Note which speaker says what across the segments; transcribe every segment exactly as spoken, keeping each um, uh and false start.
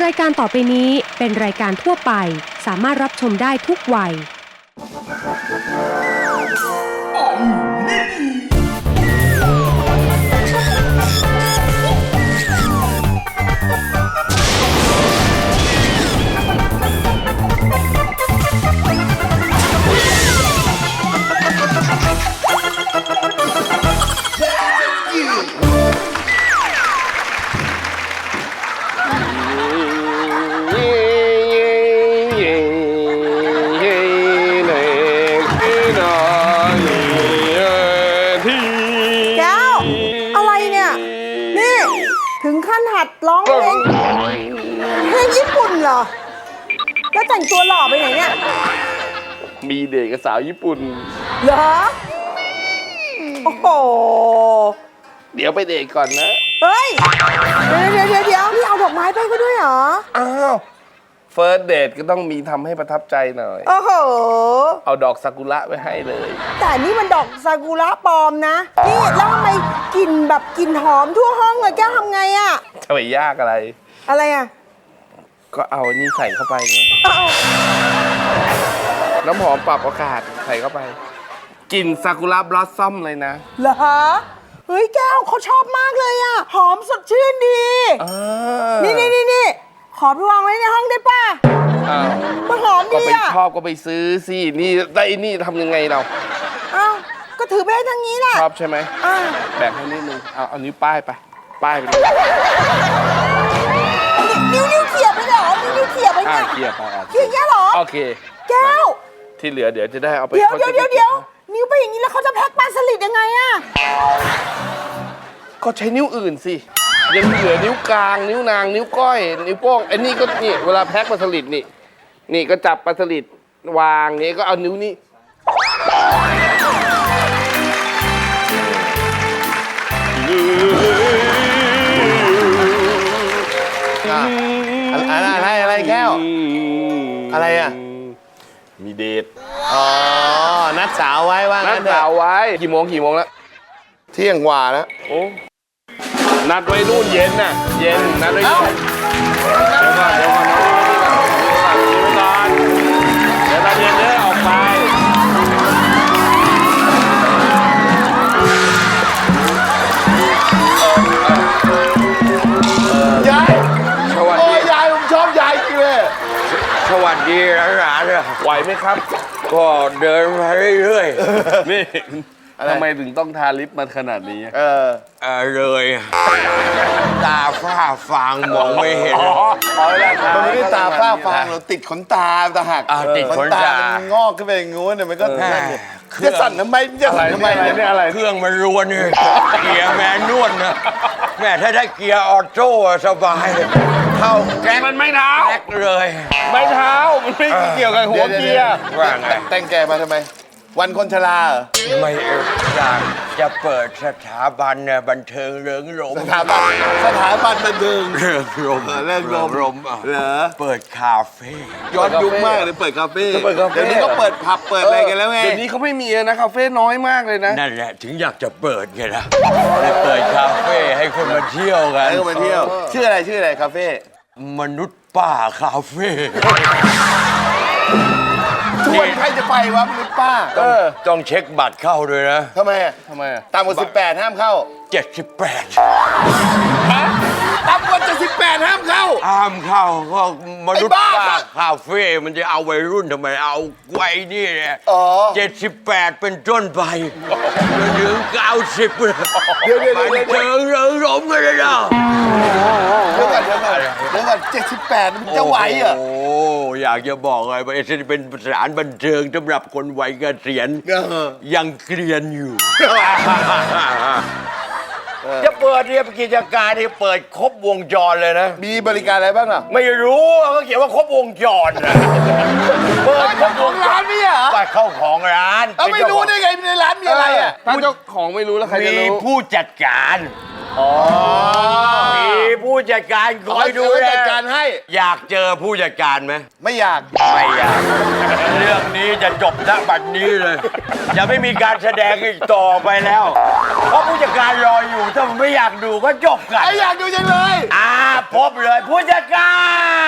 Speaker 1: ายการต่อไปนี้เป็นรายการทั่วไปสามารถรับชมได้ทุกวัย
Speaker 2: ถึงขั้นหัดร้องเพลงเพลงญี่ปุ่นเหรอแล้วแต่งตัวหล่อไปไหนเนี่ย
Speaker 3: มีเด็กกับสาวญี่ปุ่น
Speaker 2: เหรอโอ้โห
Speaker 3: เดี๋ยวไปเดทก่อนนะ
Speaker 2: เฮ้ยเดี๋ยวเดี๋ยวเดี๋ยวนี่เอาดอกไม้ไปก็ด้วยเหรอ
Speaker 3: อ้าวเฟิร์สเดทก็ต้องมีทำให้ประทับใจหน่อย
Speaker 2: โอ้โห
Speaker 3: เอาดอกซากุระไว้ให้เลย
Speaker 2: แต่นี่มันดอกซากุระปลอมนะนี่แล้วทำไมกลิ่นแบบกลิ่นหอมทั่วห้องเลยแก้วทำไงอะ
Speaker 3: จะไปยากอะไร
Speaker 2: อะไรอะ
Speaker 3: ก็เอาอันนี้ใส่เข้าไปไงน้ำหอมปรับอากาศใส่เข้าไปกลิ่นซากุระบลัซซัมเลยนะ
Speaker 2: เหรอเฮ้ยแก้วเขาชอบมากเลยอะหอมสดชื่นดีนี่นี่นี่นี่ขอไปวางไว้ในห้องได้ป่ะมันหอมดีอ่ะ
Speaker 3: ก็ไปชอบก็ไปซื้อสินี่ได้นี่ทำยังไงเรา
Speaker 2: อ้าวก็ถือไปทางนี้แหละ
Speaker 3: ชอบใช่ไหมแบ่งให้นิดนึงเอาเอานิ้วป้ายไปป้ายไป
Speaker 2: นิ้วนิ้วเขี่ยไปเหรอนิ้วนิ้วเขี่ยไปเนี่ย
Speaker 3: เขี่ยไป
Speaker 2: เขี่ยอย่างเงี้ยเหรอ
Speaker 3: โอเค
Speaker 2: แก้ว
Speaker 3: ที่เหลือเดี๋ยวจะได้เอาไป
Speaker 2: เดี๋ยวเดี๋ยวเดี๋ยวเดี๋ยวนิ้วไปอย่างนี้แล้วเขาจะแพ็คปลาสลิดยังไงอ่ะ
Speaker 3: ก็ใช้นิ้วอื่นสิยังเหลือนิ้วกลางนิ้วนางนิ้วก้อยนิ้วโป้งไอ้นี่ก็นี่เวลาแพ็คปลาสลิดนี่นี่ก็จับปลาสลิดวางนี่ก็เอานิ้วนี้
Speaker 4: อะไรอะไรแก้วอะไรอ่ะ
Speaker 3: มีเดท
Speaker 4: อ๋อนัดสาวไว้ว่า
Speaker 3: นัดสาวไว้กี่โมงกี่โมงแล้ว
Speaker 4: เที่ยงกว่าแล้ว
Speaker 3: โอ้นัดไว้นู่นเย็นน่ะเย็นนัดไว้เย็นเดี๋ยวก่อนเดี๋ยวก่อนเดี๋ยวตอนเย็นเด้อออกไป
Speaker 4: ยายสวัสดียายผมชอบยายจริงเลย
Speaker 5: สวัสดีหลานๆ
Speaker 3: ไหวไหมครับ
Speaker 5: ก็เดินมาเรื่อย
Speaker 3: ๆนี่ทำไมถึงต้องทาลิปมาขนาดนี้
Speaker 4: เออ
Speaker 5: เออเลยตาฝ้าฟางมองไม่เห็น
Speaker 4: มันไม่ได้ตาฝ้าฟางเราติดขนตาตาหัก
Speaker 5: ติดขนตา
Speaker 4: มันงอกขึ้นไปอย่างงู้นเนี่ยมันก็จะสั่นทำไมจะสั่นทำไม
Speaker 3: เนี่ยอะไร
Speaker 5: เครื่องมันรวนเลยเกียร์แมนนวลนะแม่ถ้าได้เกียร์ออโต้สบายเข้า
Speaker 3: แกมันไม่เท้า
Speaker 5: แกเลย
Speaker 3: ไม่เท้ามันไม่เกี่ยวกับหัวเกียร์
Speaker 4: ว่าไงแต่งแกมาทำไมวันคนชราเหรอ
Speaker 5: ไม่อยากจะเปิดสถาบันเนี่ยบันเทิงเริงรม
Speaker 4: สถาบันสถาบันบันเทิง
Speaker 5: เริงรม
Speaker 4: เริงรม
Speaker 5: รม
Speaker 4: เหรอ
Speaker 5: เปิดคาเฟ่
Speaker 4: ย้อนยุคมากเลยเปิดคาเฟ่เดี๋ยวนี้ก็เปิดผับเปิดอะไรกันแล้วไง
Speaker 3: เดี๋ยวนี้เขาไม่มีนะคาเฟ่น้อยมากเลยนะ
Speaker 5: นั่นแหละถึงอยากจะเปิดไงล่ะเลยเปิดคาเฟ่ให้คนมาเที่ยวกัน
Speaker 4: ให้คนมาเที่ยวชื่ออะไรชื่ออะไรคาเฟ่
Speaker 5: มนุษย์ป้าคาเฟ่
Speaker 4: ชวนใครจะไปวะมนุษย์ป้า
Speaker 5: ต้องเช็คบัตรเข้าด้วยนะ
Speaker 4: ทำไมอ่ะ
Speaker 3: ทำไมอ่ะ
Speaker 4: ต่ำกว่าสิบแปดห้ามเข้า
Speaker 5: เจ็ดสิบแปด
Speaker 4: ต่ำกว่าเจ็ดสิบแปดห้ามเข้า
Speaker 5: ห้ามเข้าก็มนุษย์ป้าคาเฟ่มันจะเอาวัยรุ่นทำไมเอาไว้นี่เนี่ยเจ็ดสิบแปดเป็นต้นไปจนถึงเก้าสิบเลย
Speaker 4: เดี๋ยวเดี๋ยวเดี๋ยว
Speaker 5: เจอเริงรมกันเลยนะ
Speaker 4: เดี๋ยวก่อนเดี๋ยวก่อนเดี๋ยวก่อนเจ็ดสิบแปดมันจะไหวเหรอ
Speaker 5: โอ้อยากจะบอกเลยว่าจะเป็นสถานบันเทิงสำหรับคนวัยเกษียณยังเกรียนอยู่จะเปิดเนี่ยกิจการที่เปิดครบวงจรเลยนะ
Speaker 4: มีบริการอะไรบ้างอ่ะ
Speaker 5: ไม่รู้เขาเขียนว่าครบวงจรนะ
Speaker 4: เปิดครบวงร้านนี่เหรอ
Speaker 5: ก็เข้าของร้าน
Speaker 4: เอาไม่รู้ได้ไงในร้านมีอะไรอ่ะ
Speaker 3: ถ้าเจ้าของไม่รู้แล้วใครจะรู้
Speaker 5: มีผู้จัดการมีผู้จัดการคอยดู
Speaker 4: จัดการให้
Speaker 5: อยากเจอผู้จัดการไหม
Speaker 4: ไม่อยาก
Speaker 5: ไม่อยากเรื่องนี้จะจบณบัดนี้เลยจะไม่มีการแสดงอีกต่อไปแล้วเพราะผู้จัดการรออยู่ถ้ามันไม่อยากดูก็จบกัน
Speaker 4: ไม่อยากดูจังเลย
Speaker 5: อ่าพบเลยผู้จัดการ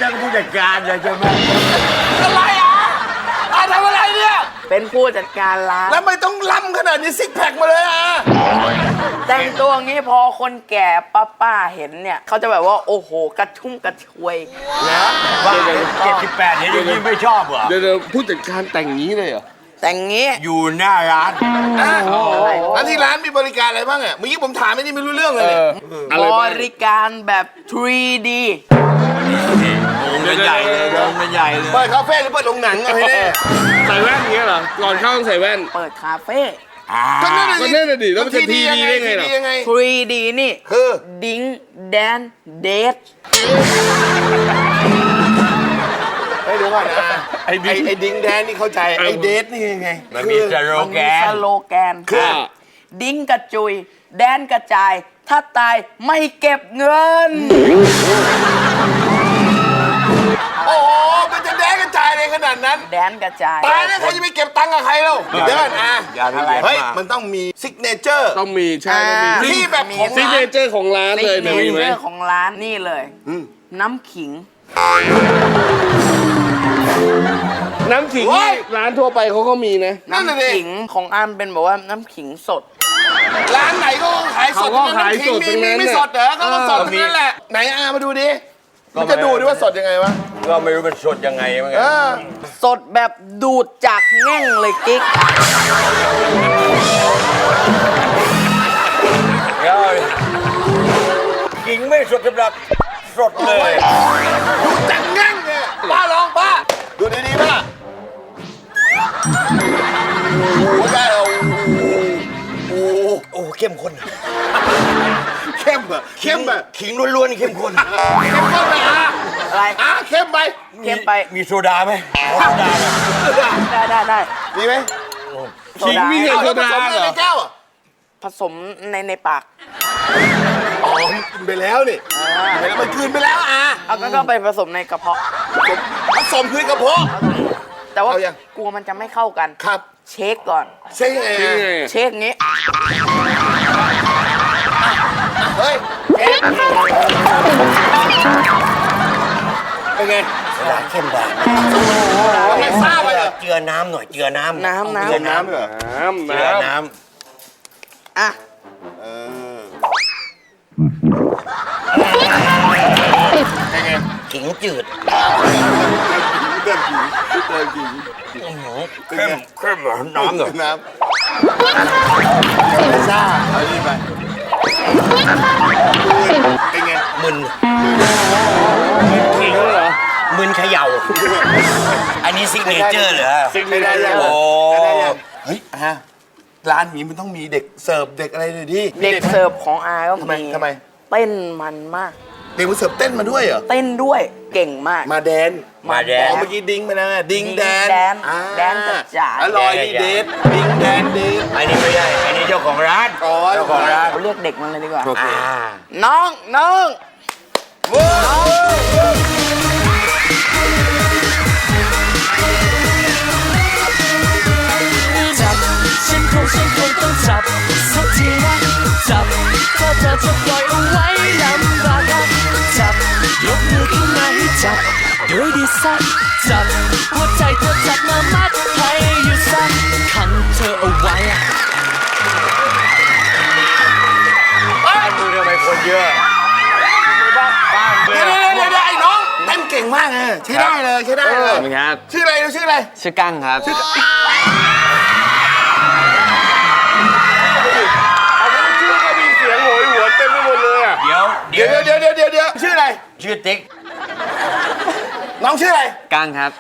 Speaker 5: นั่นผู้จัดการเลยใช่ไหม
Speaker 4: อะไรอ่ะอ่ะทำอะไรเนี่ย
Speaker 2: เป็นผู้จัดการร้าน
Speaker 4: แล้วไม่ต้องล้ำขนาดนี้ซิกแพคมาเลยอ่ะ
Speaker 2: แต่งตัวอย่างนี้พอคนแก่ป้าป้าเห็นเนี่ยเขาจะแบบว่าโอ้โหกระชุ่มกระชวย
Speaker 5: นะว่าเจ็ดสิบแปดเห็นอย่างนี้ไม่ชอบเหรอ
Speaker 3: เดี๋ยวเดี๋ยวผู้จัดการแต่งงี้เลยเหรอ
Speaker 2: แต่งงี้
Speaker 5: อยู่หน้าร้าน
Speaker 4: อ่ะแล้วที่ร้านมีบริการอะไรบ้างอ่ะเมื่อกี้ผมถามไม่นี่ไม่รู้เรื่องเลยเนี่ย
Speaker 3: อะไร
Speaker 2: บ
Speaker 3: บ้าง
Speaker 2: ริการแบบ ทรี ดี
Speaker 5: วงกันใหญ่เลยวงกันใหญ่เลย
Speaker 4: เปิดคาเฟ่หรือเปิดโรงหนังเอาให้แน่
Speaker 3: ใส่แว่นอย่างเงี้ยเหรอ ก่อนเข้าต้องใส่แว่น
Speaker 2: เปิดคาเฟ่
Speaker 4: ก็นั่นน่ะ
Speaker 3: ก็นั่นน่ะดิแล้วมันจะ
Speaker 4: ที
Speaker 3: ทีดีได้ไงล่ะ
Speaker 4: ทียังไง
Speaker 2: ทรี ดี นี่
Speaker 4: คือ
Speaker 2: ดิ้งแดนเดท
Speaker 4: เฮ้ยเดี๋ยวก่อนนะ
Speaker 3: ไอ้
Speaker 4: ไอ้
Speaker 3: ดิ้ง
Speaker 4: ไอ้ดิ้งแดนนี่เข้าใจไอ้เดทนี่ยังไง
Speaker 5: มันมีสโล
Speaker 2: มัน
Speaker 5: แก
Speaker 2: มี
Speaker 5: น
Speaker 2: สโลแกน
Speaker 3: คือ
Speaker 2: ดิ้งกระจุย แดนกระจาย ถ้าตายไม่เก็บเงิน
Speaker 4: โอ้โหมันจะแดนกระจายเลยขนาดนั้น
Speaker 2: แดนกระจาย
Speaker 4: ตายแล้วใครจะไปเก็บตังค์กับใครเล่าเดี๋ยวก่อนอ่ะ
Speaker 5: อย่าอะไร
Speaker 4: เฮ้ย
Speaker 5: มา
Speaker 4: มันต้องมีซิกเนเจอร์
Speaker 3: ต้องมีใช่ต้องมี
Speaker 2: อ่า
Speaker 4: ที่แบบของ
Speaker 3: ซิก
Speaker 4: ร้า
Speaker 3: เน
Speaker 4: น
Speaker 3: เจอร์ของร้านเลย
Speaker 2: เน
Speaker 3: เนี่ยมีไหม
Speaker 2: เจอร์ของร้านนี่เลย น้ำขิง
Speaker 3: น้ำขิงนี่ร้านทั่วไปเขาก็มีนะ
Speaker 4: นั่นน่ะดิ
Speaker 2: ขิงของอามเป็นแบบว่าน้ำขิงสด
Speaker 4: ร้านไหนก็ขายสด
Speaker 3: เขาก็ขายสด
Speaker 4: มี
Speaker 3: ทั้งนั้
Speaker 4: มี
Speaker 3: น
Speaker 4: ไม่
Speaker 3: น่ะ
Speaker 4: สดเหรอเขาก็สดทั้งนั้นแหละ ไหนอามาดูดิ มันจะดูดิว่าสดยังไงวะ
Speaker 5: ก็ไม่รู้มันสดยังไงเหมือนกั
Speaker 4: เอน อ
Speaker 2: สดแบบดูดจากแง่งเลยกิ๊ก
Speaker 5: เดี๋ยวกิงไม่สดสำหรับสดเลย
Speaker 4: ดูจังงั้งเนี่ยป้าลองป้า ดูดีๆป่ะโอ้โหได้เอาโอ้โห
Speaker 5: โอ้เข้มข้น
Speaker 4: เข้มอะเข้มอะ
Speaker 5: ขิงล้วนๆเข้มข้น
Speaker 4: เข้มข้นไปอ่ะ
Speaker 2: อะไร
Speaker 4: อ่ะเข้มไป
Speaker 2: เข้มไป
Speaker 5: มีโซดาไหมโซดาไหม
Speaker 2: ได้ได้ได้
Speaker 4: มีไหม
Speaker 3: ขิงมีแต่โซดา
Speaker 4: เอาแล้วผสม
Speaker 3: เหร
Speaker 4: ใน
Speaker 3: อ
Speaker 4: แก้วอะ
Speaker 2: ผสมในในปาก
Speaker 4: อ๋อกินไปแล้วนี่กินไปแล้วมันคืนไปแล้วอ่ะ
Speaker 2: เอาก็ก็ไปผสมในกระเพาะ
Speaker 4: ผสมคืนกระเพาะ
Speaker 2: แต่ว่า
Speaker 4: เอายัง
Speaker 2: กลัวมันจะไม่เข้ากัน
Speaker 4: ครับ
Speaker 2: เช็คก่อน
Speaker 4: ใช่ไง
Speaker 3: นี่ไง
Speaker 2: เช็คงี้
Speaker 4: เฮ้ยเอ๊ะเป็นไง
Speaker 5: โซดาเข้มไป
Speaker 4: ทำไมทราบไปเหรอ
Speaker 5: เจือน้ำหน่อยเจือน้ำ
Speaker 2: น้ำน้ำ
Speaker 5: เจือน้ำ
Speaker 4: เหรอ
Speaker 3: น้ำ
Speaker 5: เจือ
Speaker 3: น้ำ
Speaker 5: น้
Speaker 2: อ่ะ
Speaker 4: เออ
Speaker 5: ำขิงจืด
Speaker 4: เริ่มกินเริ่มกิน
Speaker 5: เข้มเข้มเหรอน้ำเหรอ
Speaker 4: น้ำซ่าเอาดีไปเป็นไง
Speaker 5: มึน
Speaker 3: ขิงเหรอ
Speaker 5: มึนเขย่า อันนี้ซิกเนเจอร์เหรอ
Speaker 3: ซิกเน
Speaker 4: ไม่ได้
Speaker 3: เจอ
Speaker 4: ยัง
Speaker 3: ร์
Speaker 5: โอ้
Speaker 4: ไม่ได้ยังเฮ้ยอ่ะร้านนี้มันต้องมีเด็กเสิร์ฟเด็กอะไรเลยดิ
Speaker 2: เด็กเสิร์ฟของอาก็
Speaker 4: ทำไม
Speaker 2: มี
Speaker 4: ทำไม
Speaker 2: เต้นมันมาก
Speaker 4: เด็กมาเสิร์ฟเต้นมาด้วยเหรอ
Speaker 2: เต้นด้วยเก่งมาก
Speaker 4: มาแดน
Speaker 5: มาแด
Speaker 4: อ๋อน เมื่อกี้ดิ้งไปแล้วไงดิ้งแดน
Speaker 2: แดน
Speaker 4: อ่า
Speaker 2: แดนกระจาย
Speaker 4: อร่อยดีเดทดิ้งแดนเดท
Speaker 5: อันนี้ไม่ใช่อันนี้เจ้าของร้าน
Speaker 4: อ๋อ
Speaker 5: เจ้าของร้าน
Speaker 2: เรียกเด็กมันเลยดีกว่า
Speaker 5: อ่า
Speaker 2: น้องน้อง
Speaker 6: จับฉันคงฉันคงต้องจับสักทีนะจับถ้าเธอจะปล่อยเอาไว้ลำบากนะจับยกมือขึ้นมาให้จับด้วยดีสักจับหัวใจเธอจับมามัดให้อยู่สักขังเธอเอาไว้อะ
Speaker 5: บ้านมึงทำไมคนเยอะบ้านเย
Speaker 4: เดี๋ยว
Speaker 5: อะ
Speaker 4: เดี๋ยวเดี๋ยวไอ้น้องเต้นเก่งมากเลยใช้ได้เลยใช้ได้เลย
Speaker 3: ครับ
Speaker 4: ชื่ออะไรดูชื่ออะไร
Speaker 3: ชื่อกั้งครับ
Speaker 4: ชื่อก็มีเสียงโหยหัวนเต็มไปหมดเลยอ่ะ
Speaker 5: เดี๋ยว
Speaker 4: เดี๋ยวเดี๋ยวเดี๋ยวเดี๋ยวเดี๋ยวชื่ออะไร
Speaker 5: ชื่อติ๊ก
Speaker 4: น้องชื่ออะไร
Speaker 3: กั้งครับ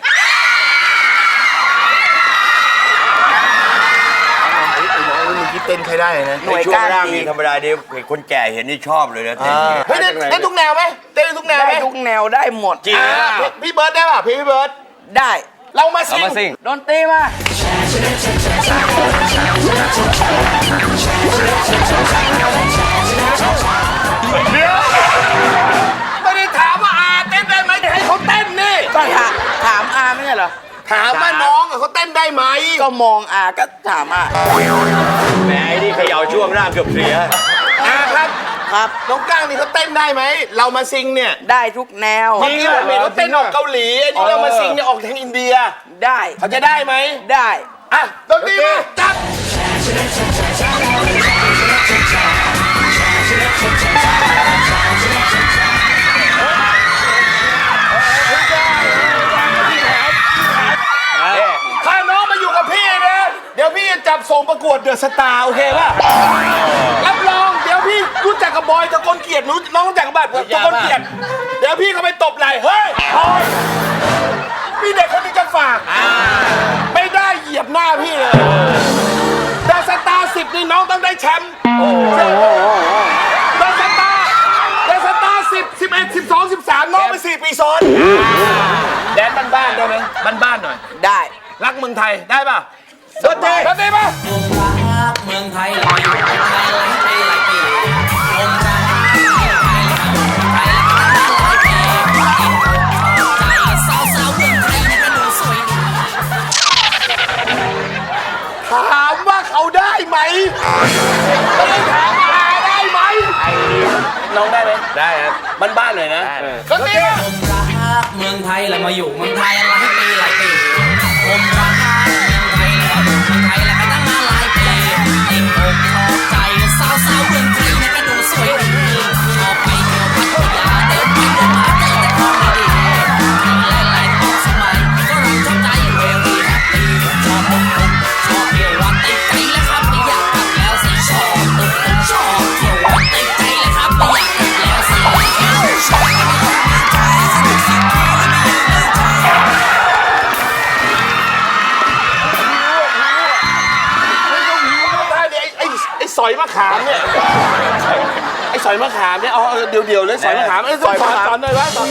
Speaker 4: ไอ้น้องเมื่อกี้เต้นใช้ได้นะ
Speaker 2: หน่วย
Speaker 5: ช่ว
Speaker 2: ก้าง น
Speaker 5: ล่าง
Speaker 2: ดี
Speaker 5: นี่ธรรมดาเดี๋ยวเห็นคนแก่เห็นนี่ชอบเลยนะเต้นอย่างเงี้ย
Speaker 4: เฮ้ยเต้นเต้นทุกแนวไหมเต้นทุกแนวไหม
Speaker 2: ได้ทุกแนวได้หมด
Speaker 5: จริง
Speaker 4: อ่าพี่พี่เบิร์ดได้ป่ะพี่พี่เบิร์ด
Speaker 2: ได้
Speaker 4: เรามาซิ
Speaker 3: เรามาซิ่
Speaker 4: ง
Speaker 3: ง
Speaker 2: ดนตรีมา
Speaker 4: ไม่ได้ถามว่าอาเต้นได้ไหมให้เขาเต้นนี่
Speaker 2: ก็ถามถามอาไม่ใช่เหรอ
Speaker 4: ถามว่าน้องอะเขาเต้นได้ไหม
Speaker 2: ก็มองอาก็ถามอา
Speaker 5: แหมไอ้นี่เขย่าช่วงล่างเกือบเสีย
Speaker 4: อาครับ
Speaker 2: ครับ
Speaker 4: น้องก้างนี่เขาเต้นได้ไหม เรามาซิงเนี่ย
Speaker 2: ได้ทุกแนว
Speaker 4: เมื่อกี้ผมเห็นเขาเต้นออกเกาหลี อันนี้เรามาซิงเนี่ยออกทางอินเดีย
Speaker 2: ได้
Speaker 4: เขาจะได้ไหม
Speaker 2: ได้
Speaker 4: อ่ะดนตรีมาจับ ถ้าน้องมาอยู่กับพี่นะ เดี๋ยวพี่จะจับส่งประกวดเดอะสตาร์โอเคป่ะ รับรองเดี๋ยวพี่รู้จักกับบอยตะกลเกียรติรู้น้องรู้จักกับบัตรตะกลเกียรติเดี๋ยวพี่เขาไปตบไหล่เฮ้ยบอยพี่เด็กคนนี้จะฝากไม่ได้เหยียบหน้าพี่เลยเดอะสตาร์สิบนี่น้องต้องได้แชมป์เดอะสตาร์เดอะสตาร์สิบสิบเอ็ดสิบสองสิบสามน้องไปสี่ปีซ้อนแดนบ้านๆได้ไหมบ้านๆหน่อย
Speaker 2: ได้
Speaker 4: รักเมืองไทยได้ป่ะดนตรีดนตรีป่ะ
Speaker 6: เมืองไทยเราอยู่เมืองไทยหลายปีหลายปีผมรักเมืองไทยเราอยู่เมืองไทยหลายปีใจสาวสาวเมืองไทยนี่ก็ดูสวยดี
Speaker 4: ถามว่าเขาได้ไหมไม่ได้ถามว่าหาได้ไหมน้องได้ไหมได้ครับบ้านๆหน่อยนะดนตรีป่ะ
Speaker 6: ผมรักเมืองไทยแล้วมาอยู่เมืองไทยหลายปีหลายปีผมรักเมืองไทยแล้วอยู่เมืองไทยแล้วก็ตั้งมาหลายปีติดอกชอบใจสาวสาวเมืองไทยนี่ก็ดูสวยดีชอบไปเที่ยวพัทยาเดินไปเดินมาเจอแต่ของดีๆหลายๆต้องสมัยก็รักชอบใจเวรีแฮปปี้ชอบมุกมุกชอบเที่ยววัดติดใจแล้วครับไม่อยากกลับแล้วสิชอบตึกตึกชอบเที่ยววัดติดใจแล้วครับไม่อยากกลับแล้วสิชอบ
Speaker 4: ได้ดิไอ้ไอ้ไอ้สอยมะขามเนี่ยไอ้สอยมะขามเนี่ยเอาเดียวเดียวๆเลยสอยมะขามไอ้สอยมะขามสอนหน่อยวะสอน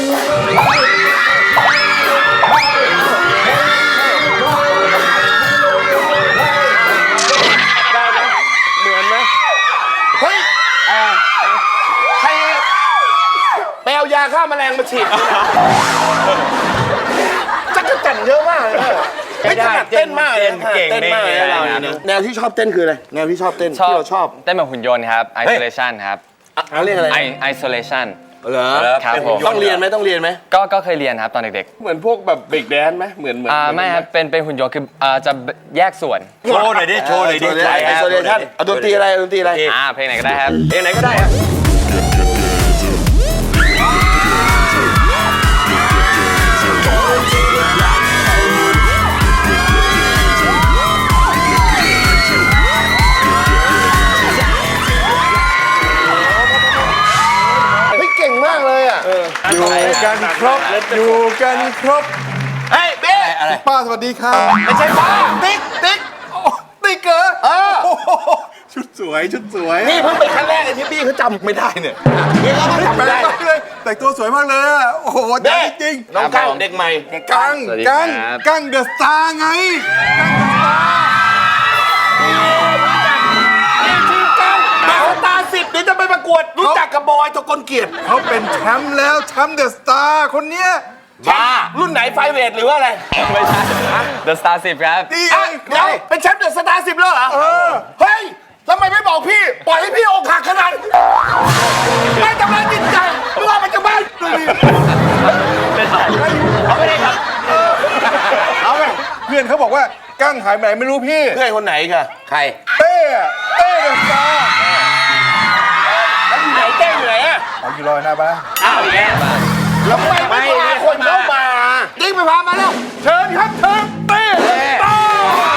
Speaker 4: ได้ไหมเหมือนไหมเฮ้ยใครไปเอายาฆ่าแมลงมาฉีดจักรจั่นเยอะมากเลยไม่ถนัดเต้นมากเลยเก่งมากเลยเราเนี่ยแนวที่ชอบเต้นคืออะไรแนวที่ชอบเต้นที่เราชอบ
Speaker 7: เต้นแบบหุ่นยนต์ครับ isolation ครับ
Speaker 4: เขาเรียกอะไร
Speaker 7: I isolation
Speaker 4: เหรอ
Speaker 7: ครับผม
Speaker 4: ต้องเรียนไหมต้องเรียนไหม
Speaker 7: ก็ก็เคยเรียนครับตอนเด็ก
Speaker 3: เหมือนพวกแบบเบรกแดนซ์ไหมเหมือนเหมือน
Speaker 7: ๆอ่าไม่ครับเป็นเป็นหุ่นยนต์คืออ่าจะแยกส่วน
Speaker 5: โชว์หน่อยดิ โชว์หน่อยดิ
Speaker 4: ไอโซเลชั่นเอาดนตรีอะไรดนตรีอะไร
Speaker 7: อ่าเพลงไหนก็ได้ครับ
Speaker 4: เพลงไหนก็ได้ครับเก่งมากเลยอ่ะอยู่กันครบอยู่กันครบเฮ้ยเบ๊อะไรป้าสวัสดีครับไม่ใช่ป้าติ๊กติ๊กติ๊กเกอร์เออชุดสวยชุดสวยนี่เพิ่งเป็นครั้งแรกเลยที่พี่เขาจำไม่ได้เนี่ยนี่เราก็จำไม่ได้เลยแต่งตัวสวยมากเลยอ่ะโอ้โหจริงน้องกั้งเด็กใหม่กั้งกั้งกั้งเดอะสตาร์ไงสตาร์สิบเดี๋ยวจะไปประกวดรู้จักกับบอยตะกลเกียรติเขาเป็นแชมป์แล้วแชมป์เดอะสตาร์คนเนี้ยบ้ารุ่นไหนไฟเวทหรือว่าอะไร
Speaker 7: ไม่ใช่ The Star สิบครับ
Speaker 4: นี่เดี๋ยวเป็นแชมป์เดอะสตาร์สิบแล้วเหรอเฮ้ยทำไมไม่บอกพี่ปล่อยให้พี่อกหักขนาดไม่ทำร้ายจิตใจไม่ว่ามันจะบ้าเอาไปเลยครับเอาไปเพื่อนเขาบอกว่ากั้งหายไปไหนไม่รู้พี่เพื่อนคนไหนค่ะใครเต้เต้เดอะสตาร์แล้วอยู่ไหนเต้อยู่ไหนอ่ะเอาอยู่รอหน้าบ้านอ้าวแย่แล้วไม่ไม่พาคนเข้ามาดิ้งไปพามาแล้วเชิญครับเชิญเต้ต่อ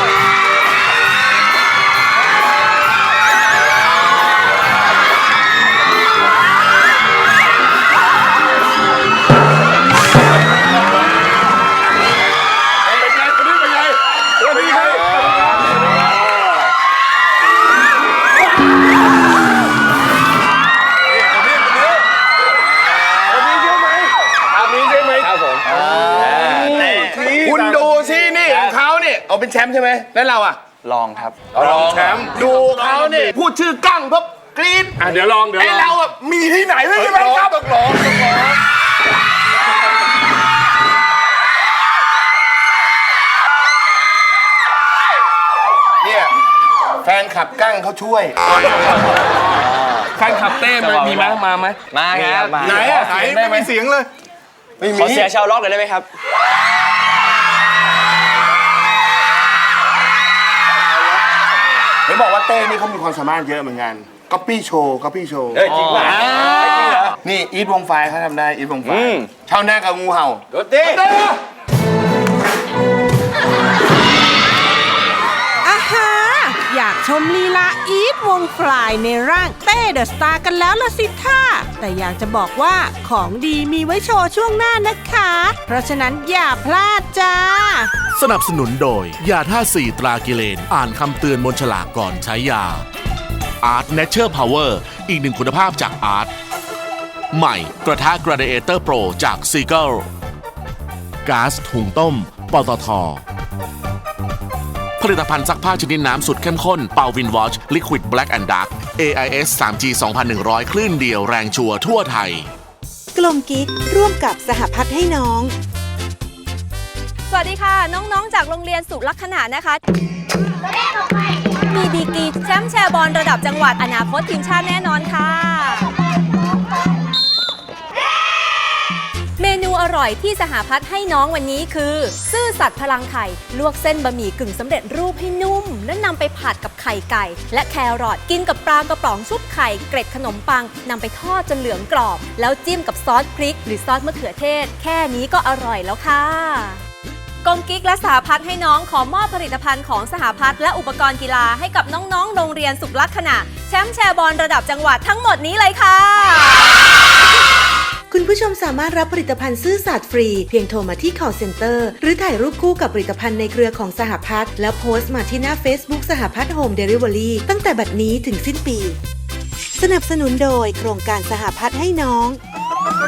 Speaker 4: เป็นไงคนนี้เป็นไงเป็นไงคุณดูสินี่ของเขาเนี่ยเอาเป็นแชมป์ใช่ไหมแล้วเราอ่ะ
Speaker 7: ลองครับ
Speaker 4: รองแชมป์ดูเขาเนี่ยพูดชื่อกั้งปุ๊บกรี๊ด
Speaker 3: อ่ะเดี๋ยวลองเดี๋ยว
Speaker 4: ไอ
Speaker 3: ลอง
Speaker 4: เราอ่ะมีที่ไหนไม่ใช่ไหมครับต้องร้องต้องร้องเนี่ยแฟนขับกั้งเขาช่วย
Speaker 3: แฟนคลับเต้มันมีไหมมาไหม
Speaker 7: มาครับ
Speaker 4: ไหนอะไหนไม่มีเสียงเลย
Speaker 7: ขอเสียชาวล็อกเลยได้ไหมครับ
Speaker 3: เห็นบอกว่าเต้นี่เขามีความสามารถเยอะเหมือนกันก๊อปปี้โชว์ก๊อปปี้โชว์
Speaker 7: เฮ้ยจริงป่ะจริงเหรอ
Speaker 3: นี่อีทวงไฟเขาทำได้อีทวงไฟชาวนากับงูเห่า
Speaker 5: โดดดิ
Speaker 2: อาฮาอยากชมลีลาอีทวงฟลายในร่างเต้เดอะสตาร์กันแล้วละสิท่าแต่อยากจะบอกว่าของดีมีไว้โชว์ช่วงหน้านะคะ เพราะฉะนั้นอย่าพลาดจ้า
Speaker 8: สนับสนุนโดย ยาท่าสี่ตรากิเลน อ่านคำเตือนบนฉลากก่อนใช้ยา Art Nature Power อีกหนึ่งคุณภาพจาก Art ใหม่กระทะ Gladiator Pro จาก Seagull ก๊าซหุงต้มปตท. ผลิตภัณฑ์ซักผ้าชนิดน้ำสุดเข้มข้นเป่าวินวอช Liquid Black and Dark เอ ไอ เอส ทรี จี สองพันหนึ่งร้อย คลื่นเดียวแรงชัวร์ทั่วไทย
Speaker 9: กลมกิ๊กร่วมกับสหพัฒน์ให้น้อง
Speaker 10: สวัสดีค่ะ น้องๆ จากโรงเรียนสุลักษณะนะคะ มีดีกรีแชมป์แชร์บอลระดับจังหวัดอนาคตทีมชาติแน่นอนค่ะ เมนูอร่อยที่สหพัฒน์ให้น้องวันนี้คือ ซื่อสัตย์พลังไข่ ลวกเส้นบะหมี่กึ่งสำเร็จรูปให้นุ่ม แล้วนำไปผัดกับไข่ไก่ และแครอทกินกับปลากระป๋องชุบไข่เกร็ดขนมปังนำไปทอดจนเหลืองกรอบ แล้วจิ้มกับซอสพริก หรือซอสมะเขือเทศ แค่นี้ก็อร่อยแล้วค่ะกงกิ๊กและสหพัฒน์ให้น้องขอมอบผลิตภัณฑ์ของสหพัฒน์และอุปกรณ์กีฬาให้กับน้องๆ โรงเรียนสุขลักษณะแชมป์แชร์บอลระดับจังหวัดทั้งหมดนี้เลยค่ะ
Speaker 9: คุณผู้ชมสามารถรับผลิตภัณฑ์ซื่อสัตย์ฟรีเพียงโทรมาที่ call center หรือถ่ายรูปคู่กับผลิตภัณฑ์ในเครือของสหพัฒน์แล้วโพสต์มาที่หน้า Facebook สหพัฒน์โฮมเดลิเวอรี่ตั้งแต่บัดนี้ถึงสิ้นปี สนับสนุนโดยโครงการสหพัฒน์ให้น้อง